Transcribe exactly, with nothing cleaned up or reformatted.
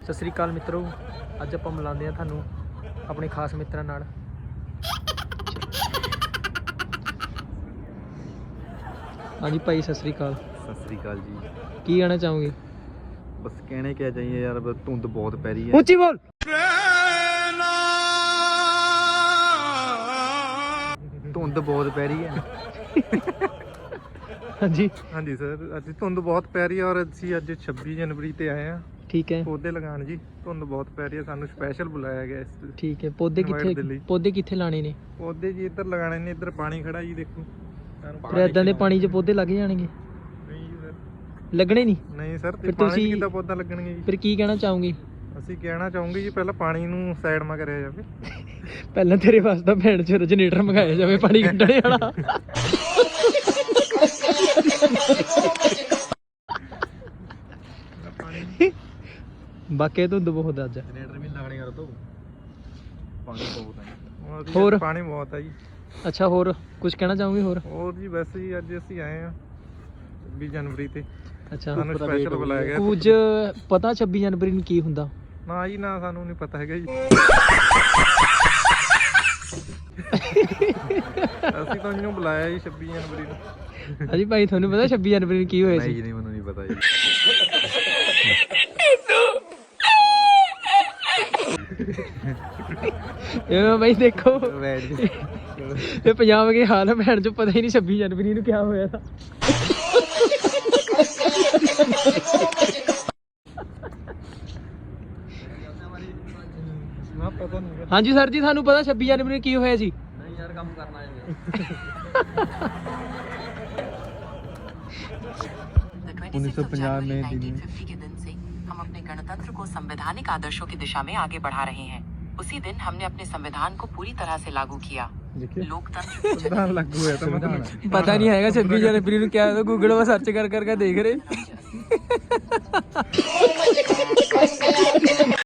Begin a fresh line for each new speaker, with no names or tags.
ਸਤਿ ਸ੍ਰੀ ਅਕਾਲ ਮਿੱਤਰੋ, ਅੱਜ ਆਪਾਂ ਮਿਲਾਉਂਦੇ ਹਾਂ ਤੁਹਾਨੂੰ ਆਪਣੇ ਖਾਸ ਮਿੱਤਰਾਂ ਨਾਲ। ਹਾਂਜੀ ਭਾਈ, ਸਤਿ ਸ੍ਰੀ ਅਕਾਲ।
ਸਤਿ ਸ੍ਰੀ ਅਕਾਲ ਜੀ।
ਕੀ ਕਹਿਣਾ ਚਾਹੋਗੇ?
ਬਸ ਕਹਿਣੇ ਕਿਆ ਚਾਹੀਏ ਯਾਰ, ਬਸ ਧੁੰਦ ਬਹੁਤ ਪੈ ਰਹੀ ਹੈ।
ਉੱਚੀ ਬੋਲ।
ਧੁੰਦ ਬਹੁਤ ਪੈ ਰਹੀ ਹੈ।
ਹਾਂਜੀ
ਹਾਂਜੀ ਸਰ, ਅੱਜ ਧੁੰਦ ਬਹੁਤ ਪੈ ਰਹੀ ਹੈ ਔਰ ਅਸੀਂ ਅੱਜ ਛੱਬੀ ਜਨਵਰੀ ਤੇ ਆਏ ਹਾਂ
ਠੀਕ ਹੈ।
ਪੌਦੇ ਲਗਾਉਣ ਜੀ। ਧੁੰਦ ਬਹੁਤ ਪੈ ਰਹੀ ਹੈ, ਸਾਨੂੰ ਸਪੈਸ਼ਲ ਬੁਲਾਇਆ ਗਿਆ ਇਸ
ਠੀਕ ਹੈ। ਪੌਦੇ
invite ਦੇ
ਕਿੱਥੇ
ਲਈ।
ਪੌਦੇ ਕਿੱਥੇ ਲਾਣੇ ਨੇ?
ਪੌਦੇ ਜੀ ਇੱਧਰ ਲਗਾਣੇ ਨੇ, ਇੱਧਰ ਪਾਣੀ ਖੜਾ ਜੀ, ਦੇਖੋ।
ਫਿਰ ਇਦਾਂ ਦੇ ਪਾਣੀ 'ਚ ਪੌਦੇ ਲੱਗ ਜਾਣਗੇ?
ਨਹੀਂ ਜੀ ਸਰ,
ਲੱਗਣੇ ਨਹੀਂ।
ਨਹੀਂ ਸਰ,
ਫਿਰ
ਤੇ ਪਾਣੀ 'ਚ
ਤੁਸੀਂ
ਕਿੱਦਾਂ ਪੌਦਾ ਲੱਗਣਗੇ ਜੀ?
ਫਿਰ ਕੀ ਕਹਿਣਾ ਚਾਹੋਗੇ?
ਅਸੀਂ ਕਹਿਣਾ ਚਾਹੂੰਗੇ ਜੀ, ਪਹਿਲਾਂ ਪਾਣੀ ਨੂੰ ਸਾਈਡ ਮਾ ਕਰਿਆ ਜਾਵੇ।
ਪਹਿਲਾਂ ਤੇਰੇ ਵਾਸਤੇ ਭੈਣ ਚ ਜਨਰੇਟਰ ਮੰਗਾਇਆ ਜਾਵੇ ਪਾਣੀ ਕੱਢਣੇ ਵਾਲਾ। ਬਾਕੀ ਧੁੰਦ ਬਹੁਤ ਅੱਜ।
ਜਨਰੇਟਰ ਵੀ ਲੱਗਣੇ ਕਰ ਦੋ, ਪਾਣੀ ਬਹੁਤ ਹੈ।
ਹੋਰ
ਪਾਣੀ ਬਹੁਤ ਹੈ ਜੀ।
ਅੱਛਾ, ਹੋਰ ਕੁਝ ਕਹਿਣਾ ਚਾਹੋਗੇ? ਹੋਰ
ਹੋਰ ਜੀ ਵੈਸੇ ਹੀ ਅੱਜ ਅਸੀਂ ਆਏ ਹਾਂ ਛੱਬੀ ਜਨਵਰੀ ਤੇ।
ਅੱਛਾ,
ਸਾਨੂੰ ਸਪੈਸ਼ਲ ਬੁਲਾਇਆ ਗਿਆ।
ਕੁਝ ਪਤਾ ਛੱਬੀ ਜਨਵਰੀ ਨੂੰ ਕੀ ਹੁੰਦਾ?
ਨਾ ਜੀ ਨਾ, ਸਾਨੂੰ ਨਹੀਂ ਪਤਾ ਹੈਗਾ ਜੀ। ਅਸੀਂ ਤਾਂ ਇਹਨੂੰ ਬੁਲਾਇਆ ਜੀ ਛੱਬੀ ਜਨਵਰੀ ਨੂੰ।
ਹਾਂਜੀ ਭਾਈ, ਤੁਹਾਨੂੰ ਪਤਾ ਛੱਬੀ ਜਨਵਰੀ ਨੂੰ ਕੀ ਹੋਇਆ ਸੀ?
ਨਹੀਂ ਜੀ, ਨਹੀਂ, ਮੈਨੂੰ ਨਹੀਂ ਪਤਾ ਜੀ।
ਇਹ ਭਾਈ ਦੇਖੋ,
ਵੈਟ ਜੀ,
ਇਹ ਪੰਜਾਬ ਦੇ ਹਾਲ ਹੈ ਭੈਣ ਚੋਂ, ਪਤਾ ਹੀ ਨਹੀਂ ਛੱਬੀ ਜਨਵਰੀ ਨੂੰ ਕੀ ਹੋਇਆ था।
ਨਾ ਪਤਾ ਨਹੀਂ।
ਹਾਂਜੀ ਸਰ ਜੀ, ਤੁਹਾਨੂੰ ਪਤਾ ਛੱਬੀ ਜਨਵਰੀ ਨੂੰ ਕੀ ਹੋਇਆ ਸੀ?
ਨਹੀਂ ਯਾਰ, ਕੰਮ ਕਰਨਾ ਹੈ।
उन्नीस सौ पचास में के दिन से हम अपने गणतंत्र को संवैधानिक आदर्शों की दिशा में आगे बढ़ा रहे हैं। उसी दिन हमने अपने संविधान को पूरी तरह से लागू किया। लोकतंत्र
संविधान लागू हुआ था, मतलब
पता नहीं है छब्बीस जनवरी को क्या, गूगल में सर्च कर करके देख रहे।